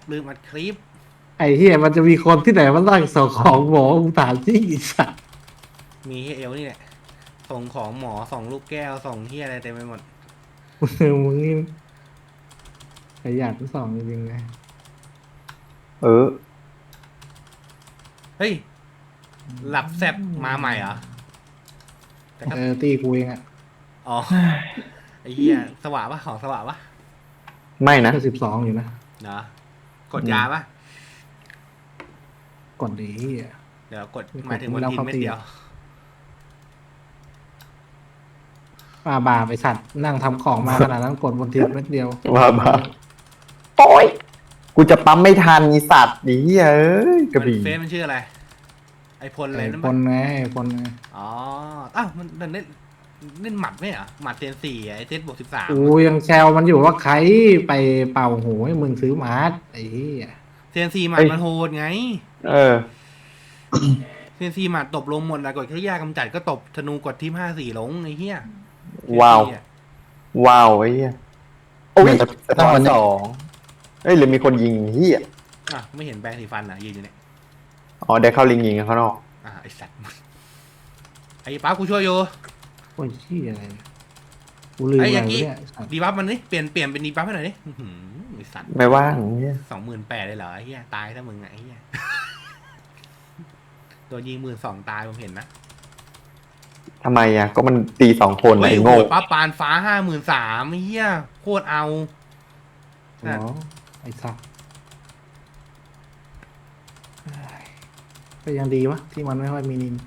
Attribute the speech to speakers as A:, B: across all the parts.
A: ลืมอัดคลิป
B: ไอ้เหี้ยมันจะมีคนที่ไหนมาตั้งส่งของหมอกูถามจริงไอ้สัส
A: มีให้เอลนี่แหละส่งของหมอส่งลูกแก้วส่งเฮียอะไรเต็มไปหมด
B: มึงนี่ขยันสองจริงๆเลย
C: เออ
A: เฮ้ยหลับแซบมาใหม่เหรอแต่ก็
B: ตีกูเองอ่ะ
A: อ๋อไอ้เฮียสว่างปะของสว่างปะ
C: ไม่นะ
B: ก็12อยู่นะ
A: เนาะกดยาปะ
B: ก่อนดีเหี้ย
A: เดี๋ยวกดหมายถึงวันทินเม็ดเดียว
B: บาไปสัตว์นั่งทำของมาขนาดนั้นกดบนทีเม็ดเดียว
C: บ้าโอ้ยกูจะปั๊มไม่ทันอีสัตว์ดีเอ้ยกระบี่
A: เฟซมันชื่ออะไรไอพลอะไร
B: ไอ้
A: นั่น
B: ค
A: ปะ
B: นไงไอ้คนไง
A: อ๋ออ้าวมันเล่นหมัดไม่เหรอหมัดเซนสี่ไอเซตบวก13
B: กูยังแซวมันอยู่ว่าใครไปเป่าหูให้มึงซื้อมาร์ทไอ้เหี้ย
A: เซนสี่หมัดมันโหดไง
C: เออ
A: เซนซีหมัดตบลงหมดแล้วกดแค่ยากำจัดก็ตบธนูกดทีม54ลงไอ้เหี้ย
C: ว้าว
A: เซนซีอะ
C: ว้าวไอ้เหี้ยโอ้ย
D: มันจะ
C: สะท้อนสองเอ้ยหรือมีคนยิงเหี้ย
A: อ่ะไม่เห็นแปรงสีฟันอ่ะยืนอยู่เนี่ย
C: อ๋อได้เข้าลิงยิงข้างนอก
A: อ่ะไอสัตว์ไอ้ป้ากูช่วยอยู่
B: โอ้ยเหี้ยอะไรเนี่ยกูลืมอะไรวะเนี่ยไอ้สัตว์
A: ดีบัฟมันนี่เปลี่ยนเป็นดีบัฟให้หน่อยดิอื้อหือไอสัตว์
C: ไม่ว่างเหี้ย
A: 28,000เลยเหรอไอ้เหี้ยตายถ้ามึงไงไอ้เหี้ยโดนยิง12,000ตายผมเห็นนะ
C: ทำไมอ่ะก็มันตี2 คน
A: เฮ้
C: นะ
A: ย
C: ไอ้
A: โห
C: โง่
A: ดป้าปานฟ้า53,000ไอ้เหี้ยโคตรเอา
B: อ๋อไอ้สัตว์ก็ยังดีวะที่มันไม่ค่อยมีนิน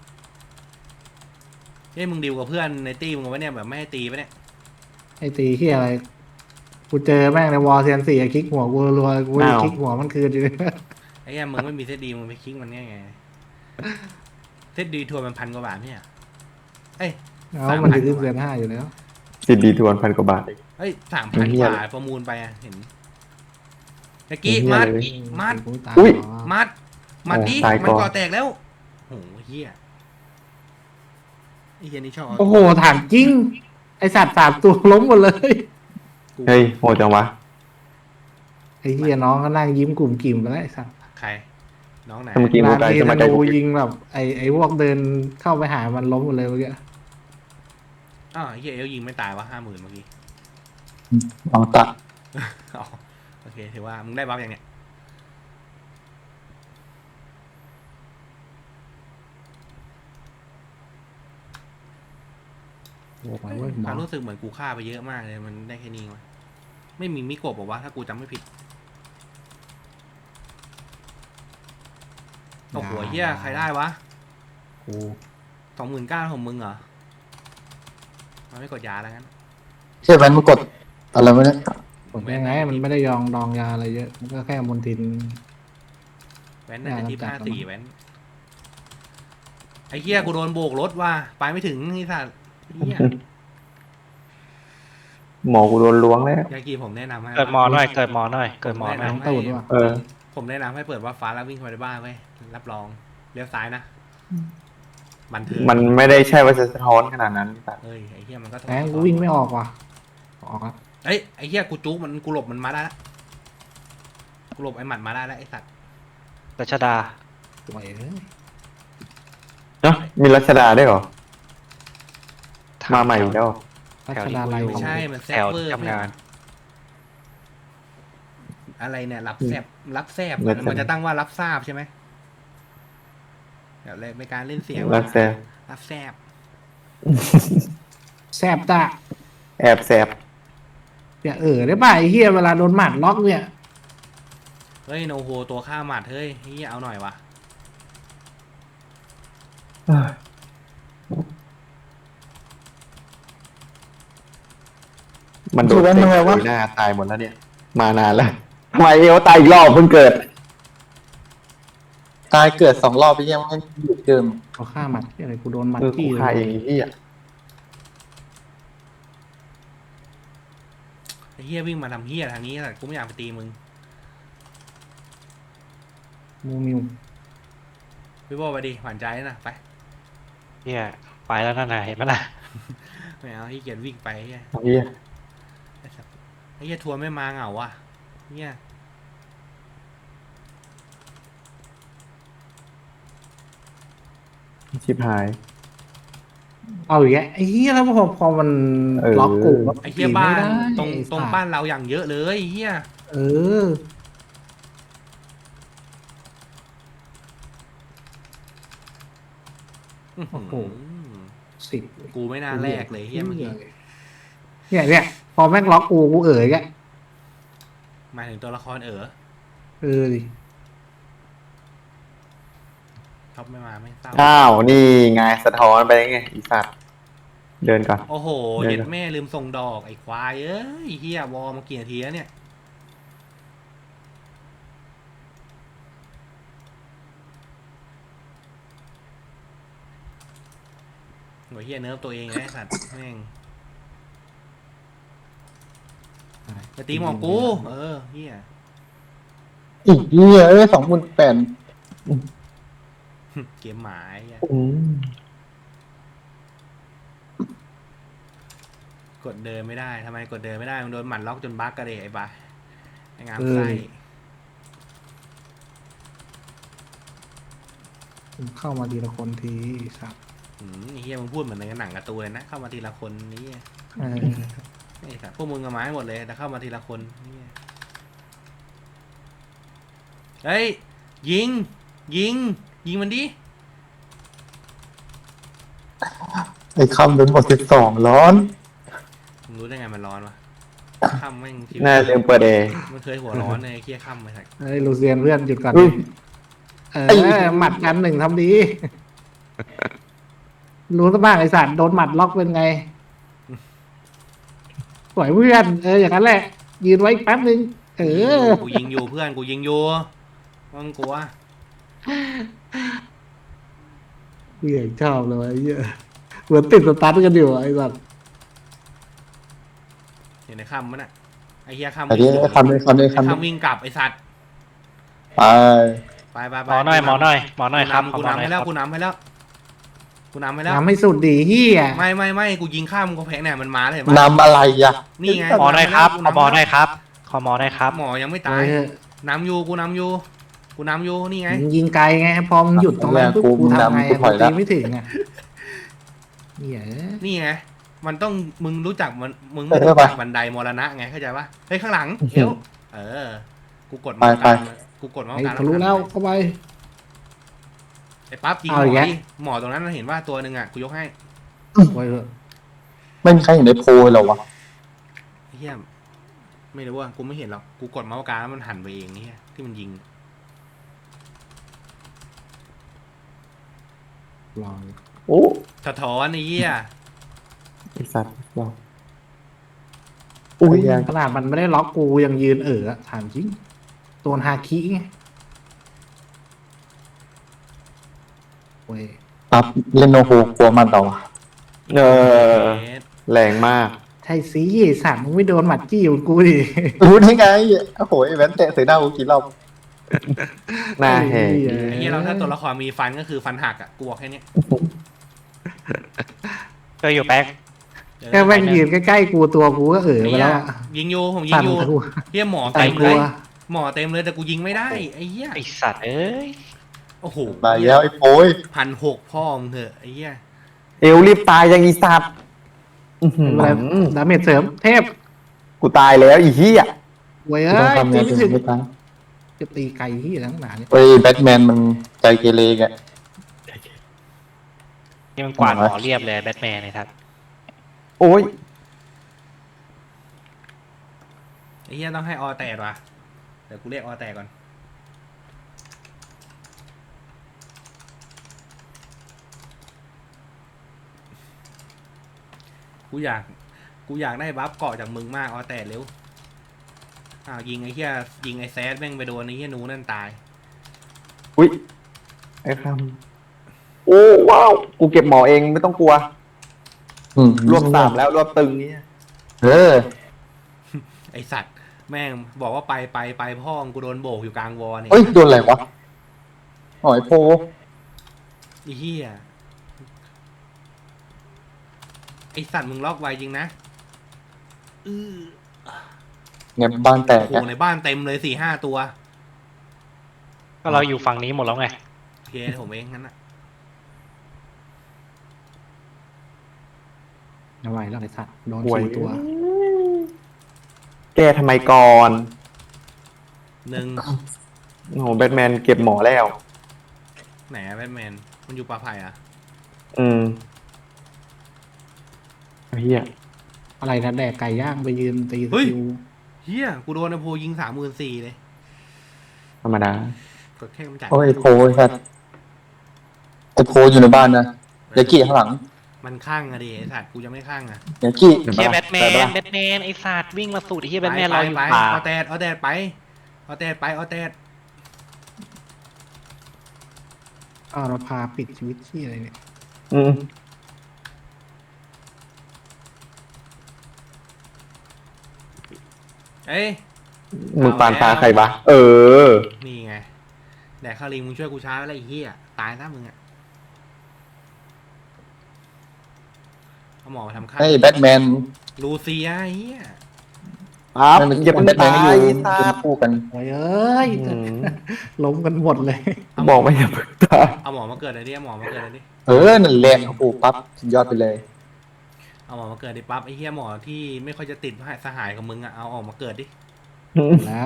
A: เฮ้ยมึงดิวกับเพื่อนในตี้มึงวะเนี่ยแบบไม่ให้ตีปะเนี่ย
B: ไอ้ตีที่อะไร กูเจอแม่งในวอลเซียนสี่คลิกหัวกูรัวกูจะคลิกหัวมันคืนอยู่
A: ไอ้เหี้ยมึงไม่มีเซตดีมึงไปคิงมันเนี่ยไงเซตดีทัวร์มัน1,000 กว่าบาทเนี่ยเอ้ย
B: เอามันจะขึ้นเซียน5อยู่แล้ว
C: สิบดีทวน1,000 กว่าบาท
A: เอ้ย3,000
C: เหี้
A: ก
C: ย
A: ว่าประมูลไปอะเห็นตะกี้
C: เหี้ย
A: มัด
C: เลย
A: มัด
C: อุ๊ย
A: มัดดิ
C: ตาย
A: มัน
C: ก่อน
A: ก่อแตกแล้วโหเฮียไอ้เฮียนี่ชอบ
B: โอ้โหถามจริง ไอสัตว์3 ตัวล้มหมดเลย
C: เฮ้ยโหดจังวะ
B: ไอเฮียน้องก็นั่งยิ้มกลุ่มกิ่มไปแล้วไอสัตว์
A: ใครน้องไหน
C: ถ้าเมื่อกี้โม
B: นาน
C: ไกล
B: ที
C: จะ
B: ธ
C: มาไกล
B: นู
C: กู
B: ยิงแบบไอพวกเดินเข้าไปหามันล้มหมดเลยเมื่อกี้
A: อ้าวไอ้เฮียเอลยิงไม่ตายวะ50,000เมื่อกี้
D: ลองตัด
A: อ๋อโอเคถือว่ามึงได้บัฟยังเนี่ย
B: โอ้ยเว้ยหม
A: ค
B: อ
A: วามรู้สึกเหมือนกูฆ่าไปเยอะมากเลยมันได้แค่นี้วะไม่มีมิโกะบอกว่าถ้ากูจำไม่ผิดโอ้โหเฮียใครได้วะ
B: กู
A: 29,000ของมึงเหรอมันไม่กดยาแล้วงั้น
D: ใช่ไหมมันกดอะไรวะเนี่ย
B: กดยังไงมันไม่ได้ยองดองยาอะไรเยอะ มันก็แค่มนทิน
A: แว้นน่าจะที่
B: จัดแล้วมั้ง
A: 54แว้นไอ้เหี้ยกูโดนโบกรถว่ะไปไม่ถึงนี่สัตว์เหี้ย
C: หมอกูโดนล้วงแล้ว
A: ยากีผมแนะนำให้
E: เกิดหมอหน่อย เกิดหมอหน่อย เกิดหมอหน่อย
B: น้องตูดว่ะ
C: เออ
A: ผมแนะนำให้เปิดว่าฟ้าแล้ววิ่งเข้าไปในบ้านเว้ยรับรองเลี้ยวซ้ายนะบันเทิง
C: มันไม่ได้ใช่ว่าจะสะท้อนขนาดนั้นสัตว์
A: เอ้ยไอ้เหี้ยมันก็
B: แหมกูวิ่งไม่ออกว่ะ ออกครับ
A: เอ้ยไอ้เหี้ยกูจุกมันกูหลบมันมาได้ละกูหลบไอ้หมัดมาได้แล้วไอ้สัตว์
E: รัชดา
B: สวยเลย
C: เนาะมีรัชดาได้วยเหรอ มาใหม่อีกแล้ว
B: รัชดาลัย
A: ไม่ใช่มันแซ
E: แถ
A: บ
E: ว
A: เวอร์
E: ทำงาน
A: อะไรเนี่ยรับแซบมันจะตั้งว่ารับทราบใช่ไหมเดี๋ยวเลยในการเล่นเสียง
C: รักแซบ
A: รับแซบ
B: แซบตา
C: แอบแซบ
B: เนี่ยได้ป่ะไอ้เฮียเวลาโดนหมัดล็อกเนี่ย
A: เฮ้ยโนโฮตัวฆ่าหมัดเฮ้ยเฮียเอาหน่อยวะ
C: มันโดน
D: คือว่า
C: เตะ
D: มันอะไรวะ
C: หน้าตายหมดแล้วเนี่ย มานานแล้วทำไมเอวตายอีกรอบเพิ่งเกิด
D: ตายเกิด2 รอบไปยังไม่หยุดเดิม
B: เขาฆ่าหมัดที่อะไรกูโดนหมัด
C: เออกู
B: จี้เล
C: ฆ่าย เองไอ้เหี้ย
A: ไอ้เฮียวิ่งมาทำเฮียทางนี้แต่กูไม่อยากไปตีมึง
B: มูมิว
A: พี่โบไปดิหวานใจนะไป
E: เนี่ยไปแล้วนั่นน่ะเห็นไหมล่ะ
A: ไม่เอาที่เกียจวิ่งไปเฮีย
C: ไอ้เหี้ย
A: ไอ้เฮียทัวร์ไม่มาเหงาว่ะเฮีย
C: ชิบหาย
B: เอาอย่างเงี้ยไอ้เหี้ยแล้วพอมัน
C: เออ
B: ล็อกกูแล้ว
A: ไอ้เหี้ยบ้าน
B: ไม่ได้
A: ตรงบ้านเราอย่างเยอะเลยไอ้เหี้ย
B: เออ โอ้โห สิบ
A: กูไม่น่าแลกเลยเหี้ยเมื่อกี้
B: เนี่ยพอแม่งล็อกกูเอ๋ยแก
A: หมายถึงตัวละคร
B: ดิ
A: ท็อปไม่มาไม่เศร้า
C: อ้าวนี่ไงสะท้อนไปไงอีสัตว์เดินก่อน
A: โอ้โห
C: เดี๋ยว
A: เย็ดแม่ลืมส่งดอกไอ้ควายเอ้ยเฮียวอมากี่นาทีแล้วเนี่ยหัวเฮียเนิร์ฟตัวเองไอ้สัตว์แม่งจะตีหมอกูเฮีย
D: อีกเหี้ย28,000
A: เกมหมาไอ้เหี้ย
C: อืม
A: กดเดินไม่ได้ทำไมกดเดินไม่ได้มันโดนหมันล็อกจนบั๊กกระเดะไอ้บ้าไอ้งามไส้
B: เข้ามาทีละคนทีสับ
A: ไอ้เฮียมึงพูดเหมือนในหนังการ์ตูนเลยนะเข้ามาทีละคนนี่
B: เออ
A: ไอ้สัตว์พวกมึงเอาไม้หมดเลยแต่เข้ามาทีละคนนี่เฮ้ยยิงมันดิ
D: ไอ้คำเป็น62ร้อน
A: มึงรู้ได้ไงมันร้อนวะค่ำแม่งชีวิต
C: น่าลืมเปิดเอ
A: มันเคยหัวร้อนในเคี้ยค่ำไปสัก
B: เฮ้ยลูเซียนเพื่อนหยุดก่อน
C: อุ้ย
B: หมัดกันหนึ่งทำดี รู้ซะบ้างไอสัตว์โดนหมัดล็อกเป็นไงสวยเพื่อนอย่างนั้นแหละ ยืนไว้อีกแป๊บนึง
A: กูยิงอยู่เพื่อนกูยิงอยู่มึงกลัว
B: เพื่อนชอบเลยไอ้เหี้ยเหมือนติดสตาร์ทกันอยู่ไอ้สัตว์
A: เห็นในค่ำมันอ่ะไอ้เหี้ยค่ำ
D: ไอ้ที่คำนี้
A: ไอ้ค่ำวิ่งกลับไอ้สัตว์
D: ไป
A: ไป
E: หมอหน่อยครับ
A: กูนำให้แล้วกูนำให้แล้ว
B: ทำให้สุดดีเฮีย
A: ไม่กูยิงข้ามกูแพ้เนี่ยมันมาเลยเห็นปะ
D: นำอะไรอ่ะ
A: นี่ไง
E: หมอหน่อยครับขอหมอหน่อยครับขอหมอหน่อยครับ
A: หมอยังไม่ตายนำอยู่กูนำอยู่นี่ไง
B: ยิงไกลไงพอมึงหยุดตรงนั้นปุ๊บกูทำไงกูตีไม่ถึงอ่ะเหี้ย
A: นี่ไงมันต้องมึงรู้จักมันมึงไม่รู้จักบันไดมรณะไงเข้าใจปะเฮ้ยข้างหลังเอวกูกดมาการกูกดมา
B: ไอ้
A: การ
B: ทะลุแล้วเข้าไป
A: ไอ้ปั๊บยิงหม
B: เอา
A: อ
B: อีกแล้ว
A: ดิหมอตรงนั้นเราเห็นว่าตัวหนึ่งอ่ะกูยกให้
B: ไว้เถอะ
D: ไม่มีใครเห็นในโพลหรอวะ
A: เฮียไม่รู้ว่ากูไม่เห็นหรอกกูกดเมาส์การแล้วมันหันไปเองนี่ที่มันยิง
B: ลอง
C: โอ้
A: สะท้อนไอ้เหี้ย
C: ไอสัตว์ว้าวอุ้ยยัง
B: ขนาดมันไม่ได้ล็อกกูยังยืนถามจริงตัวฮาคิไงเว้ย
D: ปั๊บเล่นโนโฮกลัวมันต่อวะ
C: เออแรงมาก
B: ใช่สิสัตว์มึงไม่โดนหมัดจี้ของกูดิ
D: รู้ได้ไงโอ้โหไอ้แวนเตะใส่หน้ากูกี่รอบ
C: หน้าแหก
A: ไอ้เหี้ยเราถ้าตัวละครมีฟันก็คือฟันหักอ่ะกูบอกแค่เนี้ย
E: ก็อยู่แป๊ก
B: แค่แม่งยืนใกล้ๆกูตัวกูก็ไปแล้วอะ
A: ยิงอยู่ผมยิง
B: สั่น
A: อยู่
B: กู
A: เหี้ยหมอ
B: ใส่
A: เต็ม
B: ก
A: เล
B: ลั
A: ยว หมอเต็มเลยแต่กูยิงไม่ได้ไอ้เหี้ย
E: ไอสัตว์เอ้ย
A: โอ้โห
D: มาแล้วไอ้โป้ย
A: 1,600พ่อมึงเถอะไอ้เหี้ย
C: เอวรีบตายยังอีสัตว์อื้อหือ
B: อะไรดาเมจเสริมเทพ
C: กูตายแล้วอีเหี้ย
B: เว้ย
D: ต้องทำ
B: ตี
D: เนี่ย
B: ไม่ถึง
D: ไม่ตาย
B: จะตีไกลที่ทั้งหนาเนี่ย
D: เฮ้ยแบทแมนมันใจเกเรแก
E: นี่มันกวาดหมอเรียบเลยแบทแมนเลยครับ
C: โอ้ย
A: ไอ้เหี้ยต้องให้ออแตกว่ะเดี๋ยวกูเรียกออแตกก่อนกูอยากได้บัฟเกาะจากมึงมากออแตกเร็วยิงไอ้เหี้ยยิงไอ้แซดแม่งไปโดนไอ้เหี้ยหนูนั่นตาย
C: อุ้ยไอ้คำโอ้ว้าวกูเก็บหมอเองไม่ต้องกลัวรวบ3แล้วรวบตึงเนี่ย
A: ไอสัตว์แม่งบอกว่าไปพ่อกูโดนโบกอยู่กลางวอเนี่ย
D: เฮ้ยโดนอะไรวะอ๋อไอ้โพ
A: ไอ้เหี้ยไอสัตว์มึงล็อกไวจริงนะอื้อ
D: เงียบบ้านแตก
A: โอ้โหในบ้านเต็มเลย4-5 ตัว
E: ก็เราอยู่ฝั่งนี้หมดแล้วไง
A: โอเคผมเองงั้นนะ
B: ไม่ไหวแล้วไอ้สัตว์โดน
C: ห่วย
B: 4 ตัว
C: แก้ทำไมก่อน
A: หนึ่ง
C: โอ้โหแบทแมนเก็บหมอแล้ว
A: ไหนอะแบทแมนมันอยู่ป่าไผ่อะ
C: อืมเฮีย
B: อะไรนะแดกไก่ย่างไปยืนตีสกิล
A: เฮียกูโดนไอโพยิง34,000เลย
C: ธรรมดาก
A: ดแค่กำจัด
D: โอ้ยโพยครับไอโพอยู่ในบ้านนะเดี๋ยวกี้ข้างหลัง
A: มันข้างอะดิไอสัตว์กูจะไม่ข้างอะ
D: เดี๋ยวกี้
E: เฮียแบทแมนแบทแมนไอ้สัตว์วิ่งมาสูดเฮียแบทแมน
A: ไป
E: เราอยู่
A: ไป
E: ป่า
A: เอาแตดไปเอาแตดไปเอาแตด
B: อ้าวเราพาปิดชีวิตที่อะไรเนี่ย
C: อืม
A: เอ้ย
C: มึงปานตาใครวะเออ
A: นี่ไงแดกข้าวลิงมึงช่วยกูช้าแล้วไอ้เหี้ยตายซะมึงอะเอาหมอมาทำข้าว
D: ให้แบทแมน
A: ลูเซียไอ้เหี้ย
C: ครับ
D: มัน
C: อย่าเพิ่ง
D: แบทแมน
C: ตา
D: ก็อยู่
C: ยตา
D: เป็นคู่กัน
B: โอ้ยเอ้ย
C: อืม
B: ล้มกันหมดเลย
C: บอกไม่อย่าเพิ่งตาย
A: เอาหมอมาเกิดเลยดิเอาหมอมาเกิดเลยดิ
D: เออนั่นแหละโอ้โหปั๊บสุดยอดไปเลย
A: เอาหมอมาเกิดดิปั๊บไอ้เหี้ยหมอที่ไม่ค่อยจะติดสหายของมึงอะเอาออกมาเกิดดิ
B: แล้ว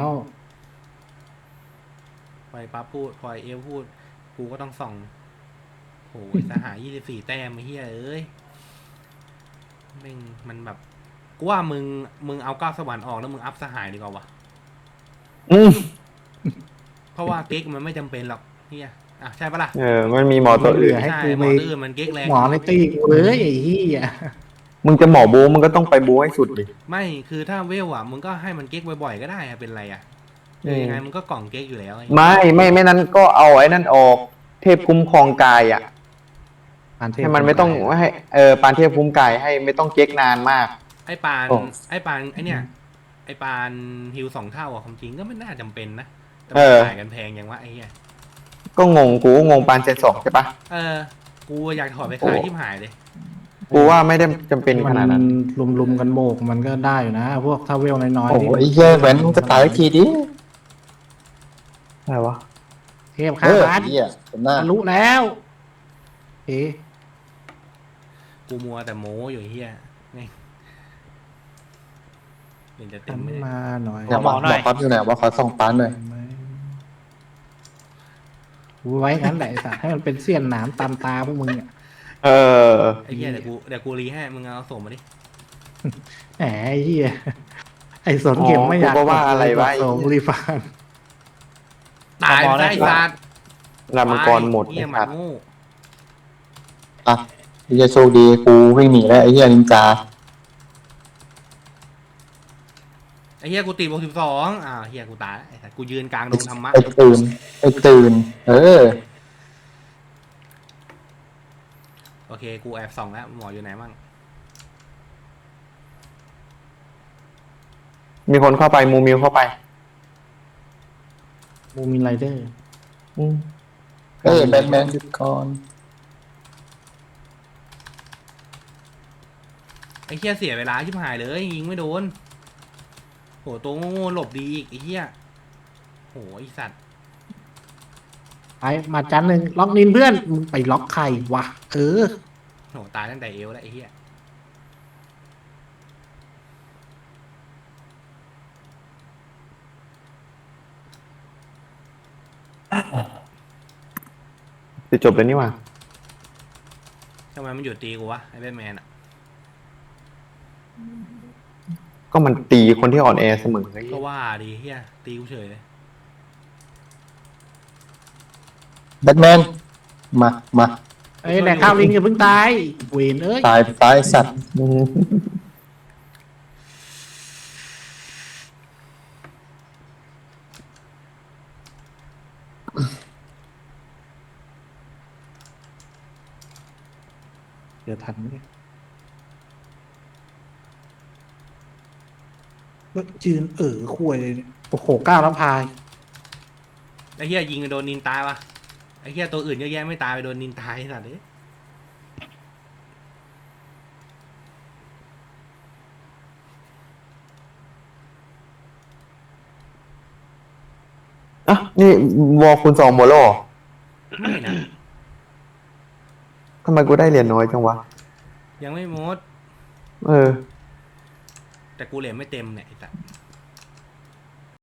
A: พอไอ้ปั๊บพูดพอไอ้เอลพูดกูก็ต้องส่องโอ้ยสหาย24 แต้มไอ้เหี้ยเอ้ยแม่งมันแบบกูว่ามึงเอาก้าวสวรรค์ออกแล้วมึงอัพสหายดีกว่าวะ
C: อืม
A: เพราะว่าเก๊กมันไม่จำเป็นหรอกเฮียอ่ะใช่ปะล่ะ
C: เออ มันมีหมอตัวอื่น
B: ให้
A: ใช่
B: กู
A: หม
B: ไป
A: อตื้นมันเก๊กแรง
B: หมอในตีกูเลยไอ้เหี้ย
C: มึงจะหมอบูมึงก็ต้องไปบูให้สุดดิ
A: ไม่คือถ้าเวลอ่ะมึงก็ให้มันเก๊กบ่อยๆก็ได้อะเป็นไรอ่ะยังไงมึงก็กล่องเก๊กอยู่แล้วไอ้
C: ไม่นั้นก็เอาไอ้นั่นออก เทพคุ้มครองกายอ่ะ ให้มันไม่ต้องให้ปานเทพคุ้มกายให้ไม่ต้องเก๊กนานมาก
A: ไอ้ปาน
D: โอ้
A: ไอ้ปานไอ้เนี่ยไอ้ปานฮิว2 เท่าอ่ะความจริงก็ไม่น่าจำเป็นนะแต่
C: เอ
A: มัน
C: อ
A: ขายกันแพงอย่างวะไอ้เหี้ย
C: ก็งงกูงงปานเจน2ใช่ปะ
A: กูอยากถอดไปขายที่หายเลย
C: กูว่าไม่ได้จำเป็นขนาดนั้น
B: ลุมกันโบกมันก็ได้อยู่นะ พวกถ้าเวลน้อย
D: โอ้
B: ๆ
D: โห
B: ที่
D: ไอ้เหี้ยแหวนมึงจะตายสักทีดิ
C: อะไรวะ
B: เทพ
D: เอ
B: ข้า
D: อ
B: บ้าน
D: เหี้ยผมหน้า
B: ทะลุแล้วเอ๊ะ
A: กูมัวแต่โม้อยู่ไอ้เหี้ยแม่งเห็นจะเต็
B: หั
A: ม
B: น
A: ไม่ได้
B: มาหน่อย
D: เนี่ยบอกปั๊บอยู่ไหนว่าขอส่องปานหน่อย
B: กูไว้งั้นแหละไอ้สัตว์ให้มันเป็นเสี้ยนหนามตามตาพวกมึงอ่ะ
C: เออ
A: ไอ้เหี้ยเดี๋ยวกูรีให้มึงเอาส่งมาดิ
B: แหมไอ้เหี้ยไอ้สนเข็มไม่อยาก
C: กูก็ว่าอะไรวะ
B: โสมรีฟาน
A: ตายไปไอ้สัตว์
C: รามกรหมด
A: เหี้ยห
C: ค
A: มา
C: รับ
A: โง่
D: อ่ะไอ้เหี้ยโชคดีกูวิ่งหนีแล้วไอ้เหี้ยนินจา
A: ไอ้เหี้ยกูตีบวก12เหี้ยกูตายแล้วไอ้สัตว์กูยืนกลางดงธรรมะ
D: ไอ้ตื่นไอ้ตื่น เออ
A: โอเคกูแอบส่องแล้วหมออยู่ไหนมั่ง
C: มีคนเข้าไปมูมิวเข้าไป
B: มูมินไรเดอร์
C: อืม
D: เอ้ยแบทแมนหยุดก่อน
A: ไอ้เหี้ยเสียเวลาชิบหายเลยยิงไม่โดนโหตัวโง่ๆหลบดีอีกไอ้เหี้ยโหไอ้สัตว์
B: ไปมาจันหนึ่งล็อกนินเพื่อนมึงไปล็อกใครวะเออ
A: โหตายตั้งแต่เอวแล้วไอ้เหี้ย
C: จะจบแล้วนี่หว่า
A: ทำไมมันหยุดตีกูวะไอ้แบทแมนอ่ะ
C: ก็มันตีคนที่อ่อนแอเสมอไง
A: ก็ว่าดีเหี้ยตีกูเฉยเลย
D: แบทแมนมามา
B: เอ้ยแต่ข้าวลิงอย่าเพิ่งตายเวนเอ้ย
D: ตายสัตว์
C: อืม
B: เดี๋ยวทันไหมเนี่ยจืนคุยเลยเนี่ยโอ้โหก้าวน้ำพาย
A: ไอ้เหี้ยยิงไปโดนนินตายวะไอ้เหี้ยตัวอื่นเยอะแยะไม่ตายไปโดนนินตายไอ้สัตว์เลย
C: อ่ะนี่วอลคูณ2โมโล
A: ไม่นะ
C: ทำไมกูได้เหรียญน้อยจังวะ
A: ยังไม่หมด
C: เออ
A: แต่กูเหรียญไม่เต็มเนี่ยไอ้สัส